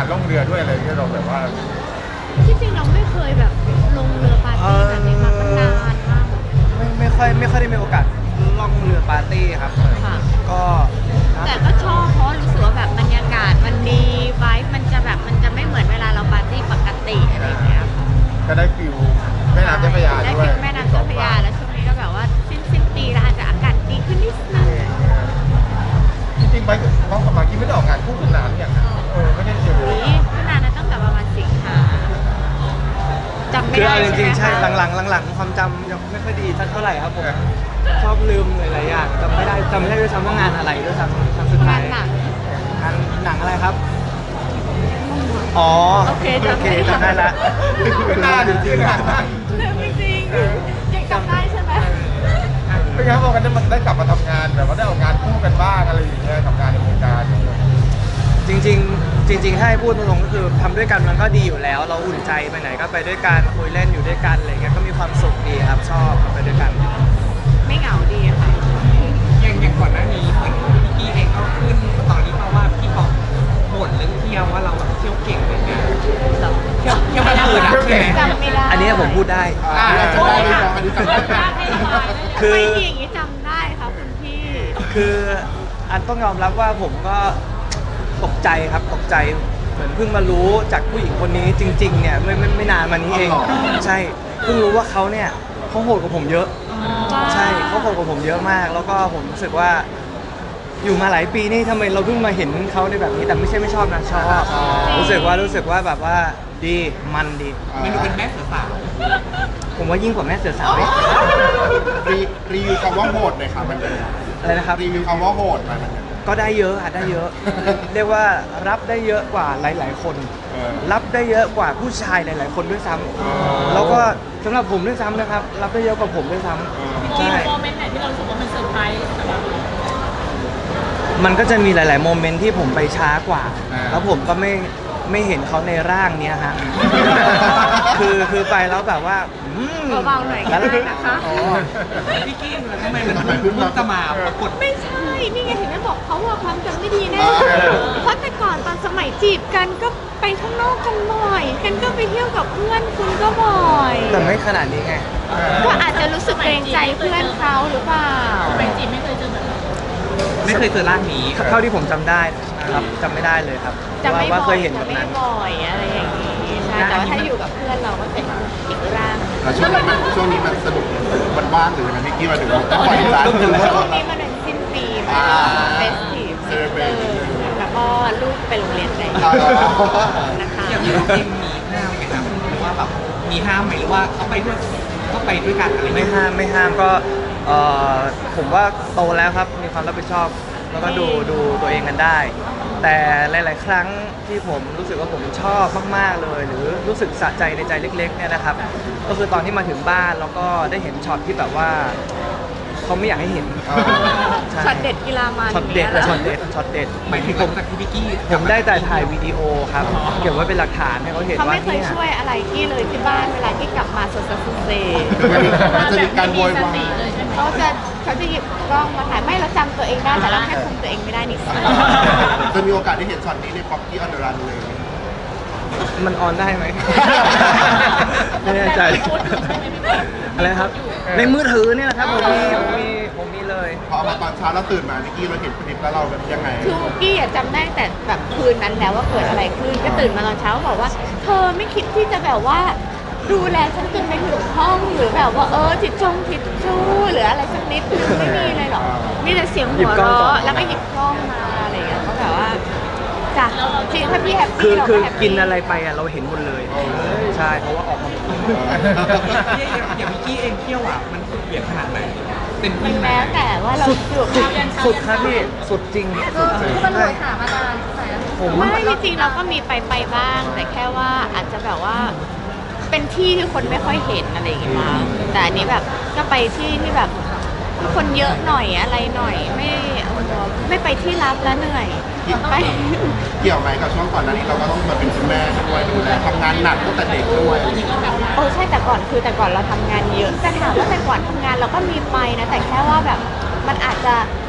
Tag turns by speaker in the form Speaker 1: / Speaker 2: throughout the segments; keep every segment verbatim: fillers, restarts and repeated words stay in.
Speaker 1: ล่องเรือด้วยอะไรที่เราแบบว่า
Speaker 2: ที่จริงเราไม่เคยแบบลงเรือปาร์ตี้แบบนี้มามันนานมาก
Speaker 3: ไม่ไม่ค่อยไม่ค่อยได้มีโอกาสล่องเรือปาร์ตี้ครับ
Speaker 2: ค่ะ
Speaker 3: ก็
Speaker 2: แต่ก็ชอบเพราะรู้สึกว่าแบบบรรยากาศมันดีไวท์มันจะแบบมันจะไม่เหมือนเวลาเราปาร์ตี้ปกติอะไรอย่างเงี้ยค่ะ
Speaker 1: ก็ได้ฟิลแม่น้ำเจ้าพระยา
Speaker 2: ได้
Speaker 1: ด้วย
Speaker 2: ฟิลแม่น้ำเจ้าพระยาแล้วช่วงนี้ก็แบบว่าสิ้นสิ้นปีแล้วอาจจะอากาศดีขึ้นนิดนึง
Speaker 1: จริงๆไปน้องกับมากกี้ไม่ได้ออกงานคู่กันนานอย่างเออไม่ได้เจอ
Speaker 2: นี่ก็นานนะตั้งแต่ประมาณสิงหาจำไม่
Speaker 3: คือ
Speaker 2: ได้
Speaker 3: เอาจริงๆใช่
Speaker 2: ใช่ไหมคะ
Speaker 3: หลังๆหลังๆความจำยังไม่ค่อยดีสักเท่าไหร่ครับผมชอบลืมหลายๆอย่างจำไม่ได้จำไม่ได้ด้วยซ้ำว่างานอะไรด้วยซ้ำครั้งสุดท้าย
Speaker 2: งานหนัง
Speaker 3: งานหนังอะไรครับอ๋อ
Speaker 2: โอเคจำได้
Speaker 3: จำได้ละ
Speaker 1: เป็นหน้าจริงๆอ่ะ
Speaker 2: ไม่จริงยังจำได้ใช่ไหม
Speaker 1: เป็นไงบอกกันได้มาได้กลับมาทำงานแบบว่าได้ออกงานคู่กันบ้างอะไรอย่างเงี้ยทำงานในวงการ
Speaker 3: จริงๆจริงๆถ้าให้พูดตรงๆก็คือทำด้วยกันมันก็ดีอยู่แล้ว เราอุ่นใจไปไหนก็ไปด้วยกันคุยเล่นอยู่ด้วยกันอะไรเงี้ยก็มีความสุขดีครับชอบไปด้วยกัน
Speaker 2: ไม่เหงาดีค่ะ
Speaker 4: อย่างอย่างก่อนหน้านี้เหมือนพี่กี้เองก็ขึ้นตอนนี้มาว่าพี่บอกบ่นเรื่องเที่ยวว่าเราแบบเที่ยวเก่งอะไรเงี้ยเที่ยวเที่ยวกลางคืนนะใช่ไหม
Speaker 2: จำไม่ได้
Speaker 3: อันนี้ผมพูดได้
Speaker 1: อ่าจำได้ไหมน้องอันนี้จำได้ไหม
Speaker 3: คือ
Speaker 2: ไม่ดีอย่างนี้จำได้ค่ะคุณพี่
Speaker 3: คืออันต้องยอมรับว่าผมก็ตกใจครับตกใจเหมือนเพิ่งมารู้จากผู้หญิงคนนี้จริงๆเนี่ยไม่ไม่ไม่นานมานี้เองใช่เพิ่งรู้ว่าเขาเนี่ยเขาโหดกว่าผมเยอะใช่เขาโหดกว่าผมเยอะมาก แล้วก็ผมรู้สึกว่าอยู่มาหลายปีนี่ทำไมเราเพิ่งมาเห็นเขาในแบบนี้แต่ไม่ใช่ไม่ชอบนะชอบรู้สึกว่ารู้สึกว่าแบบว่าดีมันดี
Speaker 4: มันดูเป็นแม่เสือสาว
Speaker 3: ผมว่ายิ่งกว่าแม่เสือสาว
Speaker 1: รีรีวิวคำว่าโหดหน่อยครับมันเป็น
Speaker 3: อะไรนะครับ
Speaker 1: รีวิวคำว่าโหดหน่อยมันเป็น
Speaker 3: ก็ได้เยอะอะได้เยอะ เรียกว่ารับได้เยอะกว่าหลาย ๆ คน
Speaker 1: เออ
Speaker 3: รับได้เยอะกว่าผู้ชายหลาย ๆ คนด้วยซ้ำแล้วก็สำหรับผมด้วยซ้ำนะครับ รับได้เยอะกว่าผมด้วยซ้ำใช่
Speaker 5: โมเมนต์ไหนที่เรารู้สึกว่ามันเซอร์ไพรส์สำหรับเรา
Speaker 3: มันก็จะมีหลาย ๆ โมเมนต์ที่ผมไปช้ากว่า
Speaker 1: อ่า
Speaker 3: แล้วผมก็ไม่ไม่เห็นเขาในร่างเนี้ยฮะ คือคือไปแล้วแบบว่าอืม
Speaker 2: เบาๆหน่อยก็ได้นะคะ
Speaker 3: อ๋อ
Speaker 4: พี่กี้ทำไมมันเพิ่งจะมาปรากฏ
Speaker 2: ไม่ใช่ นี่ไงถึงได้บอกเขาว่าความจำไม่ดีแน่เพราะแต่ก่อนตอนสมัยจีบกันก็ไปข้างนอกกันบ่อยกันก็ไปเที่ยวกับเพื่อนคุณก็บ่อย
Speaker 3: แต่ไม่ขนาดนี้ไง
Speaker 2: ก็อาจจะรู้สึกเกรงใจเพื่อนเขาหรือเปล่า
Speaker 5: ไปจีบไม่เคยเจอแบบนั้น
Speaker 4: ไม่เคยเจอร่างนี้
Speaker 3: เท่าที่ผมจำได้ครับจำไม่ได้เลยครับ
Speaker 2: จะไม่
Speaker 3: ว่า
Speaker 2: บ่
Speaker 3: เค
Speaker 2: อย ย
Speaker 3: เห็น
Speaker 2: จะ
Speaker 3: แบบ
Speaker 2: ไม่
Speaker 3: นั้น
Speaker 2: บ่อยอะไรอย่างนี้ใช่แต่ว่าถ้าอยู่กับเพื่อนเราก็เป็นอีกร่าง
Speaker 1: แล้วช่วงนี้มันช่วงนี้มันสนุกมันว่างหรือยังไงพี่กี้มาถึงต้องปล่อยร้านหรือว่า
Speaker 2: ช่วงนี้มันเป็นสิ้นปีมากเฟสทีฟเซอร์แล้วก็ลูกไปโรงเรียนได้นะคะ
Speaker 4: อย่างนี้เราเองมีห้ามไหมครับหรือว่าแบบมีห้ามไหมหรือว่าเขาไปด้วยก็ไปด้วยกันอะไร
Speaker 3: ไม่
Speaker 4: เงี้ย
Speaker 3: ห้ามไม่ห้ามก็เอ่อผมว่าโตแล้วครับมีความรับผิดชอบ แล้วก็ดูดูตัวเองกันได้ แต่หลาย ๆ ครั้งที่ผมรู้สึกว่าผมชอบมาก ๆ เลย หรือรู้สึกสะใจในใจเล็ก ๆ เนี่ยนะครับ ก็คือตอนที่มาถึงบ้านแล้วก็ได้เห็นช็อตที่แบบว่าเขาไม่อยากให้เห็นใ
Speaker 2: ช็อตเด็ดกีฬามัน
Speaker 3: ช็อตเด็ดและช็อตเด็ดช็อตเด็ด
Speaker 4: หมายถึงหลังจากที่พี่กี้
Speaker 3: ผมได้แต่ถ่ายวิดีโอครับเก็บไว้เป็นหลักฐานให้เขาเห็น
Speaker 2: เขา
Speaker 3: ว่า
Speaker 2: ไม่เคย
Speaker 3: เนี่ย
Speaker 2: ช่วยอะไรที่เลยที่บ้านเวลาที่กลับมาสดสดเซ
Speaker 1: มันจะมีการโวยวาย
Speaker 2: เขาจะเขาจะหยิบกล้องมาถ่ายไม่เราจำตัวเองได้แต่เราแค่คุมตัวเองไม่ได้นิดนึง
Speaker 1: จะมีโอกาสได้เห็นช็อตนี้ในป๊อปกี้ออนเดอะรันเลย
Speaker 3: มันออนได้ไหม ไม่แน่ใจอะไรครับ ในมือถือเนี่ยแหละครับผมมีผมมีผมมีเลย
Speaker 1: พอเอามาตอนเช้าแล้วตื่นมาพี่กี้เราเห็นคลิปแล้วเราแบบยังไง
Speaker 2: คือวุกกี้อะจำได้แต่แบบคืนนั้นแล้วว่าเกิดอะไรขึ้นก็ตื่นมาตอนเช้าบอกว่า เธอไม่คิดที่จะแบบว่าดูแลฉันจนไปถึงห้องหรือแบบว่าเออทิชชงทิชชู่หรืออะไรสักนิดนึงไม่มีเลยหรอกมีแต่เสียงหัวเราะแล้วก็หยิบกล้องมาอะไรอย่างเงี้ยเขาแบบว่าจ้ะจริงถ้าพี่แฮป
Speaker 3: คือ
Speaker 2: ปี้เรา
Speaker 3: คื
Speaker 2: ก็
Speaker 3: อ
Speaker 2: แฮปปี้
Speaker 3: กินอะไรไปอ่ะเราเห็นหมดเลย ใช่เพราะว่าออกมาหมด
Speaker 4: อย่างพี่กี้เองเที่ยวอ่ะมันสุดเหวี่ยงขนาดไหนเต็ม
Speaker 2: มั
Speaker 4: ที่
Speaker 2: น
Speaker 4: ไหม
Speaker 2: แล้วแต่ว่าเราอยู่
Speaker 3: สุดสุดครับพี่สุดจริงสุดจริง
Speaker 5: มัน
Speaker 3: ใช่
Speaker 5: เลยถามมานานใช่ไหม
Speaker 3: ผมว่า
Speaker 2: ไม่จริงๆเราก็มีไปไปบ้าง แต่แค่ว่าอาจจะแบบว่าเป็นที่ที่คนไม่ค่อยเห็นอะไรอย่างเงี้ยมั้งแต่อันนี้แบบก็ไปที่ที่แบบคนเยอะหน่อยอะไรหน่อย ไม่ไม่ไปที่ลับแล้วเหนื่อยไป
Speaker 1: เกี่ยวไหมกับช่วงก่อนหน้านี้เราก็ต้องมาเป็นคุณแม่ด้วยดูแลทำงานหนักตั้งแต่เด็กด้วย
Speaker 2: เออใช่แต่ก่อนคือแต่ก่อนเราทำงานเยอะแต่ถามว่าแต่ก่อนทำงานเราก็มีไปนะแต่แค่ว่าแบบมันอาจจะ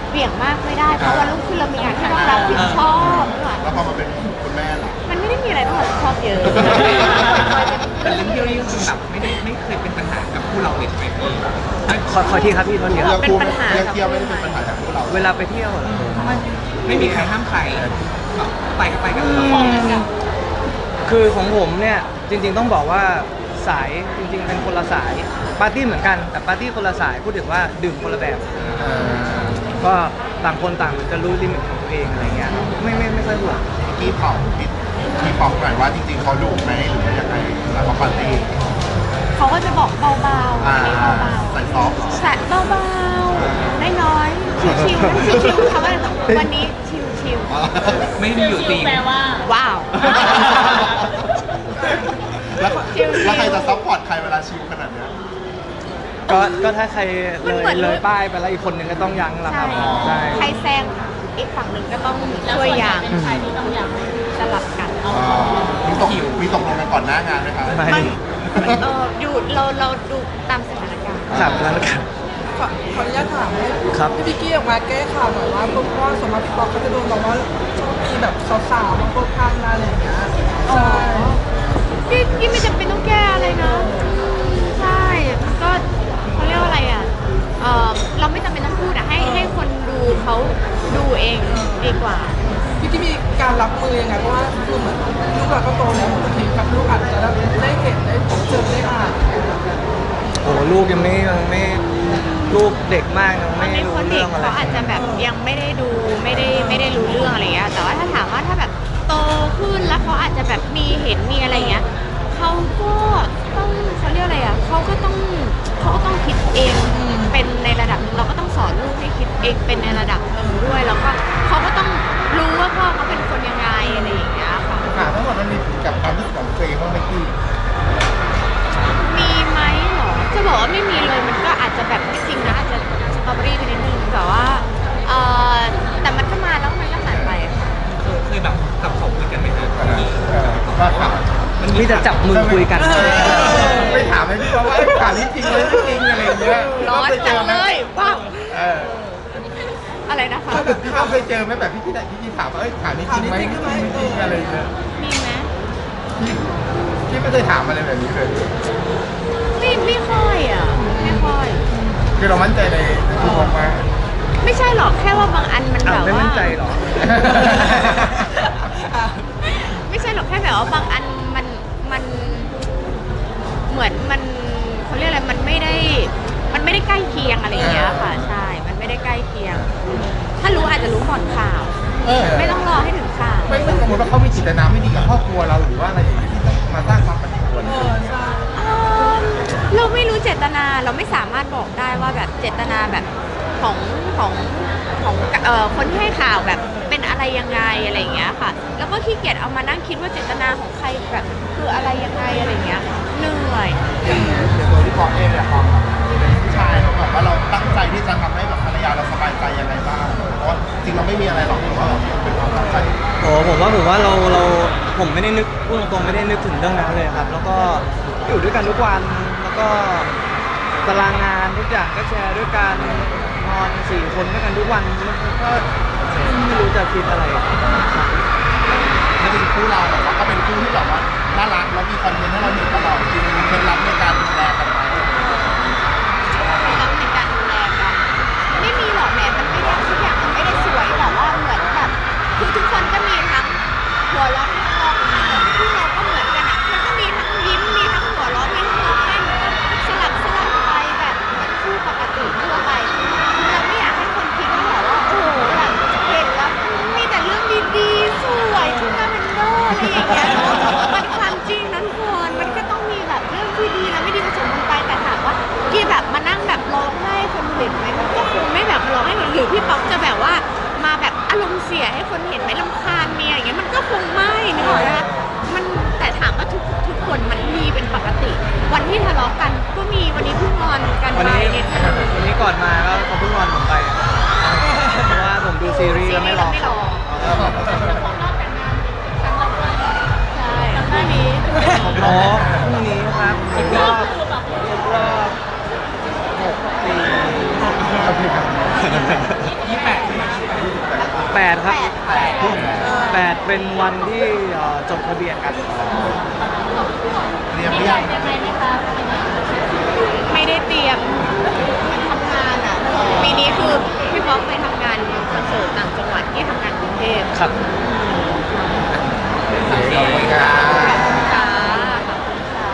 Speaker 2: เบี่ยงมากไม่ได้เพราะวันรุ่งขึ้นเรามีงานที่ต้องรับผิดชอบนึกออก
Speaker 1: แล้วพอมาเป็นคุณแม่ล่ะ
Speaker 2: มันไม่ได้มีอะไรต้องรับผิดชอบเยอะ
Speaker 4: แต่เรื่องเที่ยวนี่ก็คือแบบไม่ได้ไม่เคยเป็นปัญหากับคู่เราเลยใช่ไหมพี่
Speaker 3: ขอขอที่ครับพี่โทษทีค
Speaker 1: เรื่
Speaker 3: รั
Speaker 1: อบ งคู่เรื่องเที่ยวไม่ได้เป็นปัญหาของพวกเรา
Speaker 3: เวลาไปเที่ยวเหรอ
Speaker 4: ไม่มีใครห้ามใครแบบไปก็ไปกันเลย
Speaker 3: คือของผมเนี่ยจริง ๆต้องบอกว่าสายจริง ๆ เป็นคนละสายปาร์ตี้เหมือนกันแต่ปาร์ตี้คนละสายพูดถึงว่าดื่มคนละแบบ
Speaker 1: เออ
Speaker 3: ก็ต่างคนต่างจะรู้ลิมิตของตัวเองอะไรเงี้ยไม่ไม่ไม่ค่อยห่วง
Speaker 1: พี่เผาพี่พี่บอกหน่อยว่าจริงๆเขาดุไหมหรือว่ายังไงแล้วเขาปาร์ตี้
Speaker 2: เขาก็จะบอกเบาๆ
Speaker 1: อ่า
Speaker 2: อันนี้เบา
Speaker 1: ใส่ซอฟต์เหรอ
Speaker 2: ๆแสะเบาๆน้อยๆชิวๆชิวๆเขาว่าวันนี้ชิว
Speaker 4: ไม่มีอยู่จริง
Speaker 5: แปลว่า
Speaker 2: ๆว้าว
Speaker 1: แล้ว
Speaker 2: ชิลๆ
Speaker 1: แล้วใครจะซัพพอร์ตใครเวลาชิลขนาดเนี้ย
Speaker 3: ก็ก็ถ้าใครเล
Speaker 2: มัน
Speaker 3: ย
Speaker 2: เหมือน
Speaker 3: เลยป้ายไปแล้วอีกคนหนึ่งก็ต้องยั้งละค
Speaker 2: ใช่
Speaker 3: รับใช่
Speaker 2: ใครแซงอีกฝั่งหนึ่งก็ต้อง
Speaker 5: แล้ว
Speaker 2: ช่วย
Speaker 5: ส่วนใหญ่
Speaker 2: ยาง
Speaker 5: เป็นใครที่ต้องอย่าง
Speaker 2: สลับกัน
Speaker 1: อ๋อมีตกมีตกลงกันก่อนหน้างานไหมครับ
Speaker 3: ไม่
Speaker 2: มันเอออยู่เราเราดูตามสถานการณ์
Speaker 3: ครับแล้วกัน
Speaker 6: ขอขออนุญาตถามให้
Speaker 3: ครับ
Speaker 6: พี่พิกกี้ออกมาแก้ข่าวหน่อยว่าเพราะว่าสมมติพี่ป๊อกเขาจะโดนบอกว่าชอบมีแบบสาวๆมาโพสข้างหน้าอะไรอย่างเงี้ยใช่
Speaker 2: พี่พี่ไม่จำเป็นต้องแก้อะไรนะใช่มันก็เขาเรียกว่าอะไรอ่ะเออเราไม่จำเป็นต้องพูดอ่ะให้ให้คนดูเขาดูเองดีกว่า
Speaker 6: พี่ที่มีการรับมือยังไงเพราะว่าคือเหมือนลูกเราก็โตแล้วบางทีกับลูกอาจจะได้เห็นได้เจอได้อ่าน
Speaker 3: โอ้ลูกยังไม่ยังไม่ลูกเด็กมากยัง
Speaker 2: มั
Speaker 3: ไม่
Speaker 2: นใน
Speaker 3: รู้
Speaker 2: คนเด็
Speaker 3: เรื่
Speaker 2: ก
Speaker 3: องอะไร
Speaker 2: เขาอาจจะแบบยังไม่ได้ดูไม่ได้ไม่ได้รู้เรื่องอะไรเงี้ยแต่ว่าถ้าถามว่าถ้าแบบโตขึ้นแล้วเขาอาจจะแบบมีเห็นมีอะไรเงี้ยเขาก็ต้องเขาเรียกอะไรอ่ะเขาก็ต้องเขาก็ต้องคิดเองเป็นในระดับหนึ่งเราก็ต้องสอนลูกให้คิดเองเป็นในระดับหนึ่งด้วยแล้วก็เขาก็ต้องรู้ว่าพ่อเขาเป็นคนยังไงอะไรอย่างเงี้ยค่ะ
Speaker 1: ค่ะทั้งหมดมันมีผลกับความรู้สึกของตัวเองบ้างไหมพี่
Speaker 2: มีไหมเหรอจะบอกว่าไม่มีเลยมันก็อาจจะแบบไม่จริงนะอาจจะสตรอเบอรี่ไปนิดนึงแต่ว่าเออแต่มันก็มาแล้วมันก็หายไปค่ะ
Speaker 4: เคยเคยแบบกับเขาคุยกันไหมฮะ
Speaker 1: เออเออว่าข่าว
Speaker 3: มีแต่จับมือคุยกัน
Speaker 1: ไปถามให้พี่ว่าว่าไอ้ข่าวนี้จริงไหมไม่จริงอะไรอย่างเงี้ย
Speaker 2: ร้อนจังเลยว้าว
Speaker 1: เออ
Speaker 2: อะไรนะคะ
Speaker 1: พี่เขาเคยเจอไหมแบบพี่ที่ไหนพี่ที่ถามว่าเอ้ยข่าวนี้จริงไหมไม่จริงไม่จริงอะไรอย่างเงี้ย
Speaker 2: มีไหม
Speaker 1: พี่พี่ไม่เคยถามอะไรแบบนี้เลย
Speaker 2: ไม่ไม่ค่อยอ่ะไม่ค่อย
Speaker 1: คือเรามั่นใจในตัวผมมาก
Speaker 2: ไม่ใช่หรอกแค่ว่าบางอันมันแบ
Speaker 3: อ้าว
Speaker 2: บ
Speaker 3: ไม่
Speaker 2: ว่า
Speaker 3: มั่นใจเหรอ
Speaker 2: ไม่ใช่หรอกแค่แบบว่าบางอันมันมันเหมือนมันเขาเรียกอะไรมันไม่ได้ มันไม่ได้ใกล้เคียงอะไรอย่างเงี้ยค่ะใช่ มันไม่ได้ใกล้เคียง ถ้ารู้อาจจะรู้ก่อนข่าว
Speaker 1: เออ
Speaker 2: ไม่ต้องรอให้ถึงข่าว
Speaker 1: ไม่ไม่สมมติว่าเขามีจิตนาไม่ดีกับครอบครัวเราหรือว่าอะไรอย่างเงี้ยที่ต้องมาสร้างความปั่นป่วนอะไรอย่างเงี้ย
Speaker 2: เอิ่มเราไม่รู้เจตนาเราไม่สามารถบอกได้ว่าแบบเจตนาแบบของของของเอ่อคนที่ให้ข่าวแบบเป็นอะไรยังไงอะไรอย่างเงี้ยค่ะ แล้วก็ขี้เกียจเอามานั่งคิดว่าเจตนาของใครแบบคืออะไรยังไงอะไรอย่างเงี้ยเหนื่อย
Speaker 1: อย่างตัวที่บอกเองเนี่ยพอเป็นผู้ชายเราแบบว่าเราตั้งใจที่จะทำให้แบบภรรยาเราสบายใจยังไงบ้างเพราะว่าจริงเราไม่มีอะไรหรอกแต่ว่าแบบเป็นความตั้งใจ
Speaker 3: โอ้ผมว่าผมว่าเราเราผมไม่ได้นึกพูดตรงๆไม่ได้นึกถึงเรื่องนั้นเลยครับ แล้วก็อยู่ด้วยกันทุกวันแล้วก็ตารางงานทุกอย่างก็แชร์ด้วยกันนอนสี่คนด้วยกันทุกวันมันก็ไม่รู้จะคิดอะไรครับ
Speaker 1: แล้วเป็นคู่เราแบบว่าก็เป็นคู่ที่แบบว่าน่ารักแล้วมีคอนเทนต์ให้เราเห็นตลอดจริงมีเคล็ดลับในการดูแลกันไหม
Speaker 2: ไม่รับในการดูแลกันไม่มีหรอกแหมมันไม่ได้ทุกอย่างมันไม่ได้สวยแบบว่าเหมือนแบบคือทุกคนก็มีทั้งหัวเราะทั้งร้องไห้คู่เราก็เหมือนกันอ่ะมันก็มีทั้งยิ้มมีทั้งหัวเราะมีทั้งร้องไห้มันก็สลับสลับไปแบบเหมือนคู่ปกติทั่วไปเราไม่อยากให้คนคิดว่าแบบว่าโอ้โหแบบเห็นแล้วมีแต่เรื่องดีๆสวยชุดลาเวนเดอร์อะไรอย่างเงี้ยเนาะมันความจริงนะทุกคนมันก็ต้องมีแบบเรื่องที่ดีและไม่ดีผสมกันไปแต่ถามว่าที่แบบมานั่งแบบร้องไห้คนเห็นไหมมันก็คงไม่แบบร้องให้คนหรือพี่ป๊อกจะแบบว่ามาแบบอารมณ์เสียให้คนเห็นไหมรำคาญเมียอย่างเงี้ยมันก็คงไม่นึกออกไหมคะมันแต่ถามว่าทุกทุกคนมันมีเป็นปกติ วันที่ทะเลาะกันก็มีวันนี้เพิ่งงอนกัน
Speaker 3: วัน
Speaker 2: ไป
Speaker 3: นี้
Speaker 2: นิดนึง
Speaker 3: วันนี้ก่อนมาก็เขาเพิ่งนอนผมไปอะเพราะว่าผมดูซีรีส์แล้วไม่รอ
Speaker 2: ไม่รอ
Speaker 5: ของรอบแต่งงานครั้งแรกด้วย
Speaker 2: ใช่หน้านี้
Speaker 3: อ๋อพรุ่งนี้ครับครบรอบครบรอบหกปี
Speaker 1: โอเคครับ
Speaker 4: ยี่แปด
Speaker 3: แปดครับ
Speaker 2: แปด
Speaker 3: แปดเป็นวันที่เอ่อจดทะเบียนกัน
Speaker 1: เตรียมห
Speaker 5: มี
Speaker 1: รือ
Speaker 5: อะ
Speaker 1: ยัง
Speaker 5: ไรยังไงไหมคะ
Speaker 2: ไม่ได้เตรียม